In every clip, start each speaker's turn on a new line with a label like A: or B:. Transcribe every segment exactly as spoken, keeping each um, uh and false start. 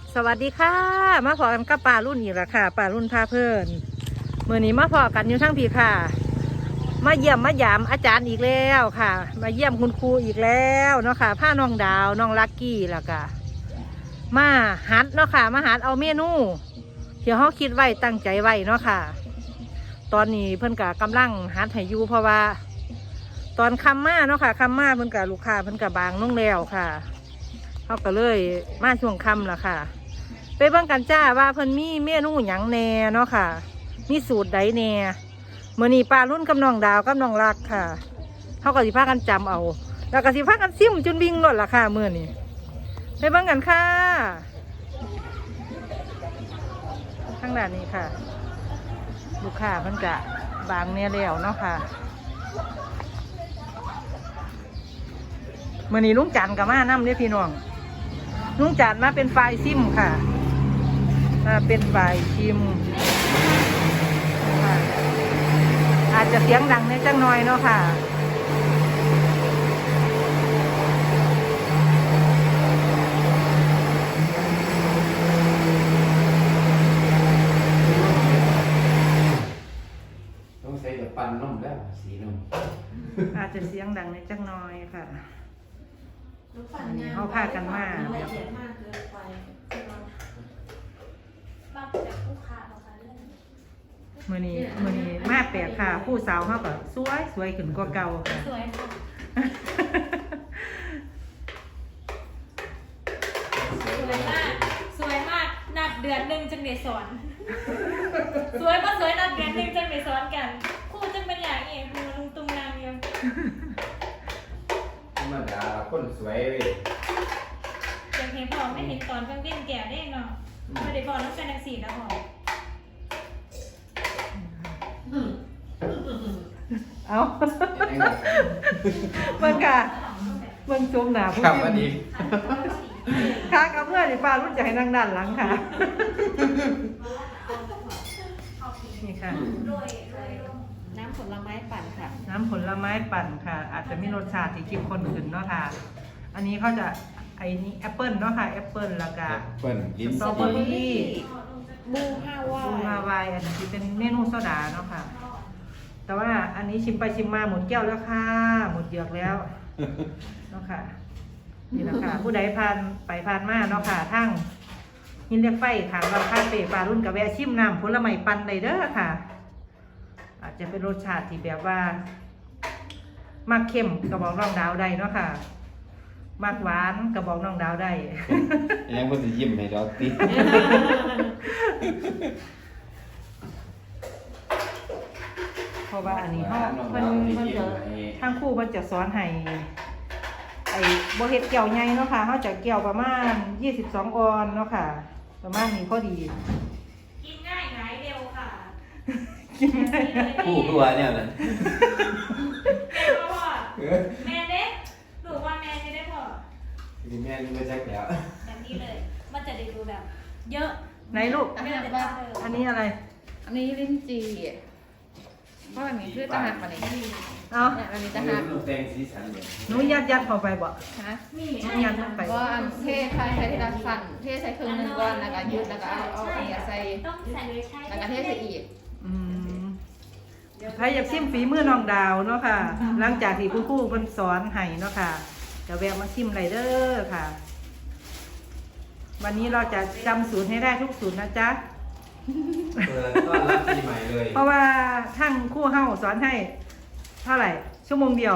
A: สวัสดีค่ะมาพอกันกับป่ารุ่นอีกแล้วค่ะป่ารุ่นพาเพื่อนเมื่อนี้มาพอกันอยู่ทั้งพี่ค่ะมาเยี่ยมมาหยามอาจารย์อีกแล้วค่ะมาเยี่ยมคุณครูอีกแล้วเนาะค่ะผ้าน้องดาวน้องลักกี้แล้วก็มาหัดเนาะค่ะมาหัดเอาเมนูที่เขาคิดไว้ตั้งใจไว้เนาะค่ะตอนนี้เพิ่นกะกำลังหัดให้อยู่เพราะว่าตอนคำมาเนาะค่ะคำมาเพิ่นกะลูกค้าเพิ่นกะบางน้องแล้วค่ะเขาก็เลยมาช่วงคำละค่ะไปเบิ่งกันจ้าว่าเพิ่นมีเมนูหยังแน่เนาะค่ะมีสูตรใดแน่มื้อนี้ปลารุ่นกับน้องดาวกับน้องรักค่ะเขาก็สิพากันจำเอาแล้วก็สิพากันซิมจนวิ่งหลดละค่ะมื้อนี้ไปเบิ่งกันค่ะทางด้านนี้ค่ะลูกค้าเพิ่นกะบางเนี่ยแล้วเนาะค่ะมื้อนี้ลุงจันทร์ก็มานำเด้อพี่น้องลุงจันทร์มาเป็นฝ่ายซิมค่ะมาเป็นฝ่ายชิมค่ะอาจจะเสียงดังในจังน้อยเนาะค่ะ
B: ต้องใส่แบบปั่นนมแล้วสีนม
A: อาจจะเสียงดังในจังน้อยค่ะอันนี้
C: เขา
A: เขาพากันมาแล้ว
C: ละเอียดมากเกินไปบางจากผู้ค้าเราค่ะเรื่อง
A: มื้อนี้มื้อนี้มาแปลกค่ะผู้สาวเขาก็สวยสวยขึ้นกว่าเก่าค่ะ
C: สวยค่ะสวยมากสวยมากนัดเดือนหนึ่งจังเดสอนสวยก็สวยนัดเดือนหนึ่งจังเดสอนกันคู่จังเป็นอย่างเองคือลุงตุงนางเดียว
B: ธรรมดาคนสวยเว้ย
C: อย่างเห็นพอไม่เห็นตอนเพิ่งเล่นแก่ได้เนาะไม่ได้พอต้องการนักสีแล้วพอ
A: เอาเบิ่งค่ะเบิ่งจุ่มหนาผู้
B: ครับ
A: ชิ
B: วัน
A: ม
B: นี้
A: ค่ะกับเพื่อนนี่ป้ารุ่นจะให้นั่งด้านหลังค่ะนี่ค่ะ
C: น้ำผลไม้ปั่นค่ะ
A: น้ำผลไม้ปั่นค่ะ อาจจะมีรสชาติที่เข้มข้นขึ้นเนาะค่ะ อันนี้เขาจะไอ้นี่แอปเปิลเนาะค่ะแอปเปิลแล้วก็
B: เปิ้ลกิน
A: สตรอเบอรี่
C: บูฮาวา
A: บูฮาวายอันนี้เป็นเมนูโซดาเนาะค่ะ แต่ว่าอันนี้ชิมไปชิมมาหมดแก้วแล้วค่ะหมดเหยือกแล้วเนาะค่ะนี่แหละค่ะผู้ใดผ่านไปผ่านมาเนาะค่ะทั้งหินเหล็กไฟถามเราคาเฟ่ปลารุ่นกับแวะชิมน้ำผลไม้ปั่นได้เด้อค่ะ อาจจะเป็นรสชาติที่แบบว่ามากเข้มกระบอกน้องดาวได้เนาะค่ะมากหวานกระบอกน้องดาวได้
B: ยังก็จะยิ้มให้เราติ
A: เพราะว่าอันนี้เขาเพิ่นเพิ่นจะทางครู่เพิ่นจะสอนให้ไอ้บ่เฮ็ดแก้วใหญ่เนาะค่ะเขาจะแก้วประมาณยี่สิบสองออนเนาะค่ะ ประมาณนี้พอดี
C: กินง่ายหายเร็วค่ะ
A: กินได้
B: ผู้ครัวเนี่ยนะ
C: แม่พ่อแม่เด็กหนูว่าแม่จะได้พอ
B: แม่นี่ไม่ใช่แล้ว
C: แบบนี้เลย มันจะได้ดูแบบ เยอะ
A: ไหนลูก
C: ไม่ได้แบบเดิม
A: อันนี้อะไร
D: อันนี้ลิ้นจี่เพราะอันนี้คือจะหักกว่านี้
A: เอา
D: เนี่ยอันนี้จะ
B: จะ
D: หัก
B: ลูกแดงสีสันเลย
A: หนูยัดยัดเข้าไปบ่
D: ฮะ
C: นี่
A: หนู
C: ใช่
A: ยัดเข้าไป
D: ก็อันเทใส่ใส่ที่ละสั่นเทใส่ครึ่งหนึงก่อนแล้วก็ยืดแล้วก็เอาเอาอันนี้ใส่
C: ต้องใส่ใช่
D: แล้วก็เทใส่อีก
A: อืมใครอยากชิมฝีมือน้องดาวเนาะค่ะ หลังจากที่คุณครูเพิ่นสอนให้เนาะค่ะจะแวะมาชิมไรเด้อค่ะ วันนี้เราจะจำสูตรให้ได้ทุกสูตรนะจ๊ะ
B: เปิดต้อนรับปีใหม่เลย
A: เพราะว่าทั้งครู่เฮ้าสอนให้เท่าไหร่ ชั่วโมงเดียว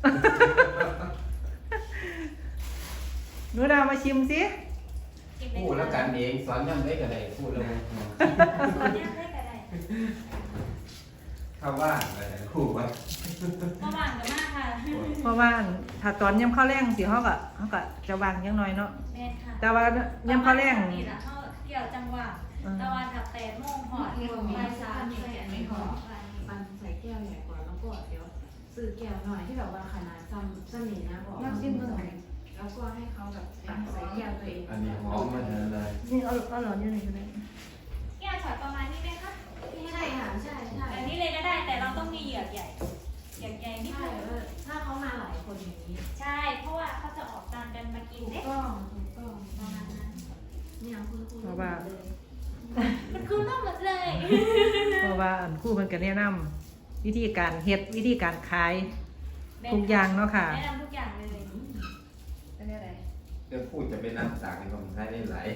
A: หนูดาวมาชิมสิ
B: พูดแล้วกันเองสอนยังได้กันได้พูดแล้ว
C: สอนยังได้ก็ได้
B: เข้าว่านอะไรคู่ไว้
C: ก็วางกันมากค่ะ
A: เพราะว่าถ้าตอนย่ำข้าวแรงสิเขาก็เขาก็จะวางยังน้อยเนาะ
C: แม่ค่ะ
A: แต่ว่าย่ำข้าวแรง
C: นี่แหละเขาเกี่ยวจังหวะตะวันถักแปดโมงหอดไปสามอย่างเงี้ยไม่หอด
E: ปันใส่แก้วใหญ่กว่าแล้วก็เดี๋ยวซื้อแก้วหน่อยที่แบบว่าขนาดซ้ำซ้ำนี่นะบอกว่าแล้วก็ให้เขาแบบตักใส่แก้วตัวเอง
B: อันนี้หอมมาเลย
A: นี่เอาเอาหลอดอยู่ไหนก็ได้
C: แก้วช็อตประมาณนี้ไหมคะ
E: ใช่ค่ะใช่ใช่
C: แบบนี้เลยก็ได้แต่เราต้องมีเหยือกใหญ่เหยือกใหญ่นี่
E: ใช่
C: คือ
E: เออถ้าเขามาหลายคนอย่างนี้
C: ใช่ เพราะว่าเขาจะออกตามกันมากิน
E: ถูก
C: เด้
E: ต้องถูกต้อง
C: ประมาณนั้น
E: เนี่ยคุณครู
A: เพราะว่า
C: มันคือต้องหมดเลย
A: เพราะว่าอันครู่เพิ่นก็แนะนำวิธีการเฮ็ดวิธีการขายทุกอย่างเนาะค่ะ
C: แนะนำทุกอย่างเลย
D: อันนี้อะไร
B: เดี๋ยวพูดจะเป็นน้ำสากในของไทยได้หลาย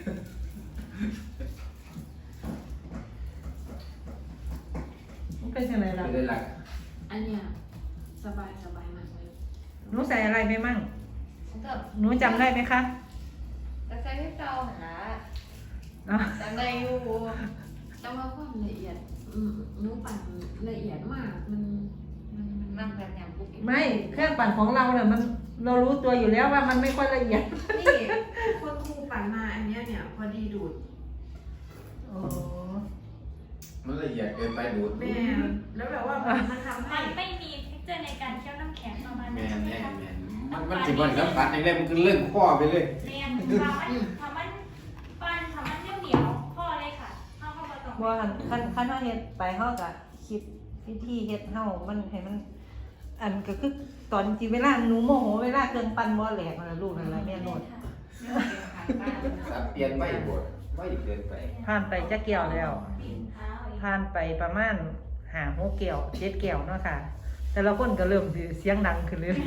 A: มันเป็นยังไงล่ะ
B: ไม่ได้หลัก
E: อันเนี้ยสบายสบายมากเลย
A: หนูใส่อะไรไปมั่ง
D: มันก็
A: หนูจำได้ไหมคะ
D: แต่ใส่ให้เก่าหา
A: เนาะ
D: จำได้อยู่
E: แต่ว่าความละเอียดอืมหนูปั่นละเอียดมากมันมันมัน
D: นั่งแบบอย่างปุ๊บ
A: ไม่เครื่องปั่นของเราเนี่ยมันเรารู้ตัวอยู่แล้วว่ามันไม่ค่อยละเอียด
E: นี่คนครูปั่นมาอันเนี้ยเนี่ยพอดีดูด
A: อ๋อ
B: มันละเอียดเกินไปดูด
E: แม่แล้วแบบว่ามันมันทำให้
C: มันไม่มีเท็กเจอร์ในการเคี้ยวน้ำแข็งประมาณ
B: แม
C: นั้น
B: น
C: ใช่ไหม
B: แน่
C: คะ
B: แมนมันมันสิบ่ได้รับปัดอย่างแรกมันคือเรื่องข้อไปเลย
C: เรียนทำมันทำมันปั้นทำมันเหนียวๆพ่อเลยค่ะเข้าเข้ามาตรง
A: ว่าคันคันเฮาเฮ็ดไปเฮาก็คิดวิธีเฮ็ดเฮามันให้มัน อันก็คือตอนจริงเวลาหนูโมโหเวลาเครื่องปั่นบ่แหลกนั่นล่ะลูกนั่นล่ะแม่โนด
B: สับเปลี่ยนไม่บดไม่เกินไป
A: ผ่านไปจักเกี่ยวแล้ว
C: ปีนเท้าอีก
A: ผ่านไปประมาณห้าหกเกี่ยวเจ็ดเกี่ยวเนาะค่ะ แต่ละคนก็เริ่มสิเสียงดังขึ้นเลย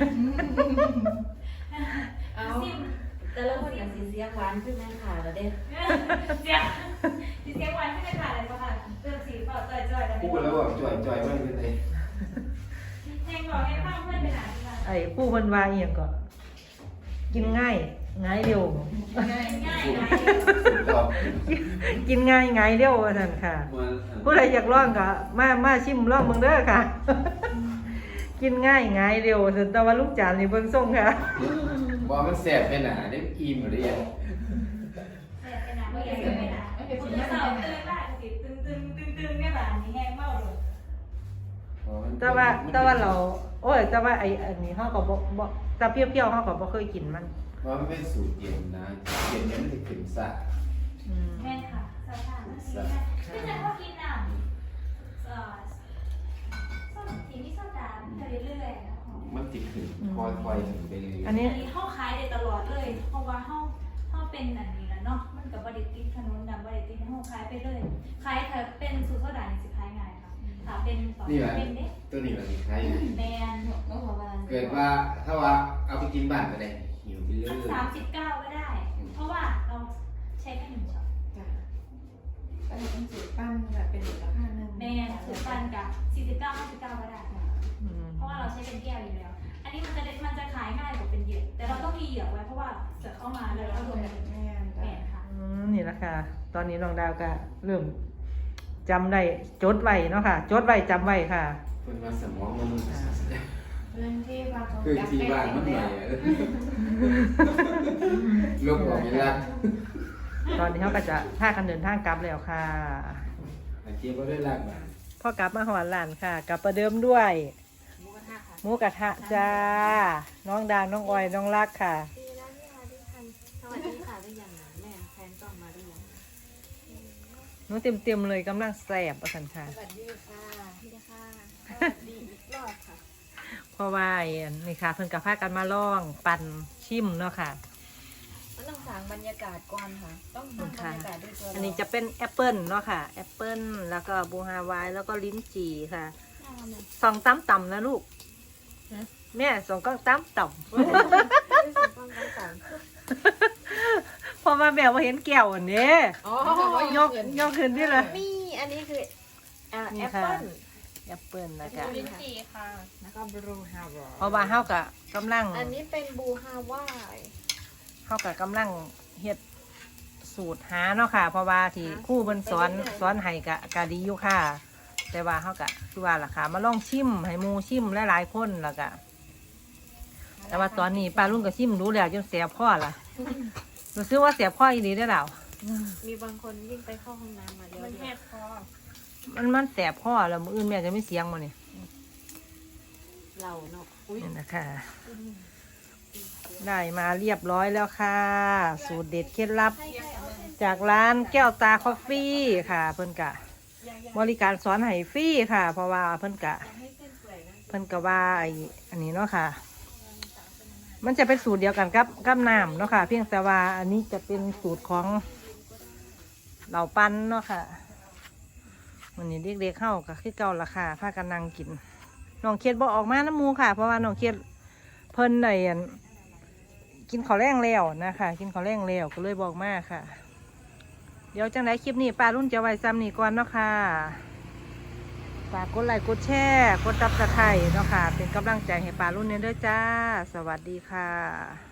C: เอาซิม
F: แต่ละคนอย่างสีเสียงหวานขึ้นไหมค่ะเราได้
C: เสียงสีเสียงหวานขึ้นเลยค่ะอะไรบ้างค่ะเติมสีเปล่าจ่อยๆแล้ว
B: พูดแล้วว่าจ่อยจ่อยไม่เป็นไร
C: เพลงบอกให้ฟังเพื่อนไปหาที่บ้าน
A: ไอ้ผู้เพิ่นว่าอีหยังก็ กินง่ายง่ายเร็ว
C: ง่ายง่าย
B: ตอบ
A: กินง่ายง่ายเร็วว่าซั่นค่ะ
B: มัน
A: ผู้ใดอยากลองก็มามาชิมลองเบิ่งเด้อค่ะ กินง่ายง่ายเร็วซั่นแต่ว่าลูกจานนี่เบิ่งส่งค่ะ
B: บอกมันแสบไปหนาได้อิ่มหรือยัง
C: เสียไปนะไม่อยากจะไปนะคุณจะสาวตื่นได้สิตึงตึงตึงตึงเนี่ยแบบนี้แห้งเมาเลย
A: แต่ว่าแต่ว่าเรา โอ้ยแต่ว่าไอ้อันนี้เฮาก็บ่บ่แต่เปรี้ยวๆเฮาก็บ่เคยกินมัน
B: เพราะมันเป็นสูตรเย็นนะเย็นเนี่ยมันจะขึ้นซ่า
A: อืม
C: แม่ค่ะสาวๆไม่ใช่ไม่ใช่พวกกินน้ำเอ่อส้มสีนี่ส้มดำไปเรื่อยๆนะ
B: มันติดขึ้นคอยคอยๆขึ้นไปเรื่อยๆ
A: อันนี้
C: อันนี้เข้าขายได้ตลอดเลย เพราะว่าเข้าเข้าเป็นอันนี้แล้วเนาะ มันกับบริติดขนมดำบริติดเข้าขายไปเลยขายถ้าเป็นสูตรโซดานี่สิขายง่ายค่ะถ้าเป็นตอน
B: นี่แหละ
C: เป็นเด็ก
B: ตัวนี้มันสิคล้าย
C: แมน
D: เมื่อวาน
B: เกิดว่าถ้าว่าเอาไปกินบ้านก็ได้หิวไปเรื่อย
C: สามสิบเก้าก็ได้ เพราะว่าเราใช้แค่หนึ่งช็อต
D: จ้ะก็จะเป็นสูตรปั้นแบบเป็นมูลค่าหนึ่ง
C: แมนสูตรปันกับสี่สิบเก้าห้าสิบเก้าก็ได้
A: อืม
C: เพราะว่าเราใช้เป็นแก้วอยู่แล้ว อันนี้มันจะมันจะขายง่ายกว่าเป็นเหยือกแต่เราต้องมีเหยือกไว้เพราะว่าเสือเข้ามาเลยแล้วรวมกัน
D: แม่น
C: แม
D: จ้ะ
C: นค่ะ
A: อืมนี่ละค่ะ ตอนนี้น้องดาวก็เริ่มจำได้จดไว้เนาะค่ะ จดไว้จำไว้ค่ะ
B: ๆคนมาสมองมัน
D: พื้นที่ว่าเขา
B: คือ
D: จับ
B: ที่
D: ได้
B: บ้าน
D: จ
B: มั
D: ริ
B: น
D: ง
B: ให
D: แล้
B: ญ่
D: ว
B: ลูกบอกไม่รัก
A: ตอนนี้เขาก็จะพากันเดินทางกลับแล้วค่ะ
B: อาเจี๊ยบก็ได้รักมา
A: พ่อกลับมาหอหลานค่ะ กลับประเดิมด้วย
D: หมูกระทะค่ะ
A: หมูกระทะจ้า น้องดาวน้องออยน้องรักค่ะ
E: ดีนะที่มาด้วยกันสวัสดีค่ะได้ยังแม่แฟนต้องมาด้วยยัง
A: หนูเต็มเต็มๆเลยกำลังแสบประสันค่ะ
D: สวัสดีค่ะ
E: ดีค่ะสวัสดีอีกรอบค่ะ
A: เพราะว่าอันนี่ค่ะ เพิ่นกับพากันมาล่องปั่นชิมเนาะค่ะ
D: มันต้องสร้างบรรยากาศก่อนค่ะ ต้องสร้างบรรยากาศด้วยตัวเรา
A: อันนี้จะเป็นแอปเปิลเนาะค่ะแอปเปิลแล้วก็บูฮาวายแล้วก็ลิ้นจี่ค่ะสองตั้มต่ำนะลูกแม่สองก็ตั้มต่ำ เพราะว่าแม่ว่าเห็นแก้วอันนี้
D: อ๋อย
A: กยกขึ้นที่เลย
E: นี่อันนี้คืออ่า
A: นี่
E: แอป
A: ค่ะ
E: เปิ้ล
A: แอปเปิลนะ
D: ดู
A: คะ
D: ลิ้นจี่ค่ะ
E: แล้วก็บรูฮาวา
A: เพราะว่าเฮากะกำลัง
E: อันนี้เป็นบูฮาวาย
A: เฮากะกำลังเฮ็ดสูตรหาเนาะค่ะ เพราะว่าที่ครู่เพิ่นสอนสอนให้กะกะดีอยู่ค่ะ แต่ว่าเฮากะคือว่าล่ะค่ะ มาลองชิมให้หมู่ชิมหลายๆคนแล้วก็แต่ว่าตอนนี้ป้าลุงก็ชิมรู้แล้วจนเสียพ่อล่ะรู้สึกว่าเสียพ่ออีหลีได้แล้ว
E: มีบางคนวิ่งไปเข้าห้องน้ำมาแล้ว
D: มันแหบคอ
A: มันมันแสบพ่อแล้วมื้ออื่นแม่จะไม่เสียงมานี่
E: เราเนาะอุ้ย
A: นี่นะคะได้มาเรียบร้อยแล้วค่ะ สูตรเด็ดเคล็ดลับ จากร้านแก้วตาคอฟฟี่ค่ะ เพิ่นกะ บริการสอนให้ฟรีค่ะ เพราะว่าเพิ่นกะ เพิ่นกะว่าไอ้อันนี้เนาะค่ะมันจะเป็นสูตรเดียวกันกับกับน้ำเนาะค่ะเพียงแต่ว่าอันนี้จะเป็นสูตรของเหล่าปั้นเนาะค่ะวันนี้เด็กๆเข้าก็คือเก่าราคาพากันนั่งกินน้องเคียดบอกออกมาน้ำมูค่ะ เพราะว่าน้องเคียดเพิ่นในกินข้าวแรงแล้วนะคะกินข้าวแรงแล้วก็เลยบอกมาค่ะ เดี๋ยวจังไรคลิปนี้ป้ารุ่นจะไว้ซ้ำนี่ก่อนเนาะค่ะฝากกดไลค์กดแชร์กดซับสไครต์เนาะค่ะเป็นกำลังใจให้ป้ารุ่นเนี่ยด้วยจ้าสวัสดีค่ะ